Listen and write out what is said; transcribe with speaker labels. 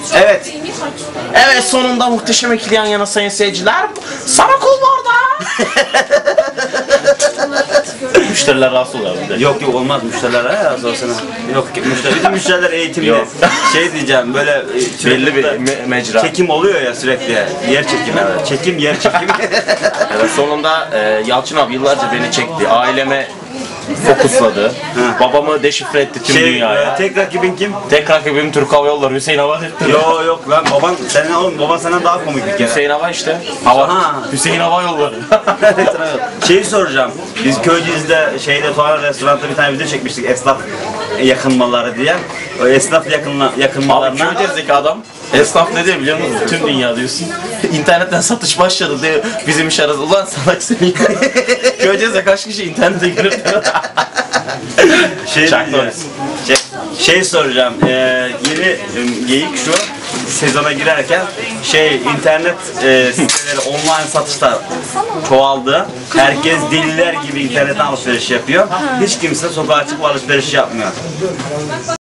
Speaker 1: Evet. Evet, sonunda muhteşem ikili yan yana sayın seyirciler. Sana kul var da. Müşteriler rahatsız oluyor bir de.
Speaker 2: Yok olmaz müşterilere ya sorsana. Yok bütün müşteriler eğitimli.
Speaker 1: Yok.
Speaker 2: Şey diyeceğim böyle
Speaker 1: Belli bir mecra.
Speaker 2: çekim oluyor ya sürekli. Yer çekimi. Evet. Çekim yer çekimi.
Speaker 1: Evet, sonunda Yalçın abi yıllarca beni çekti. Aileme fokusladı. Babamı deşifre etti tüm dünyaya.
Speaker 2: Tek rakibin kim?
Speaker 1: Tek rakibim Türk Hava Yolları Hüseyin Hava etti.
Speaker 2: Yok lan baban senden daha komik bir kere.
Speaker 1: Hüseyin Hava işte. Hava.
Speaker 2: Ha.
Speaker 1: Hüseyin Hava Yolları.
Speaker 2: Şeyi soracağım. Biz Köyceğiz'de Tuğan restoranda bir tane video çekmiştik esnaf yakınmaları diye. O esnaf
Speaker 1: Abi
Speaker 2: yakınmalarına.
Speaker 1: Köyceğiz'deki adam esnaf ne diyor biliyor musun? Tüm dünya diyorsun. İnternetten satış başladı diyor. Bizim iş arası. Ulan salak seni. Köyceğiz'de kaç kişi internete girip
Speaker 2: Şey soracağım. Yeni geyik şu sezona girerken internet siteleri online satışlar çoğaldı. Herkes deliler gibi internetten alışveriş yapıyor. Hiç kimse sokağa çıkıp alışveriş yapmıyor.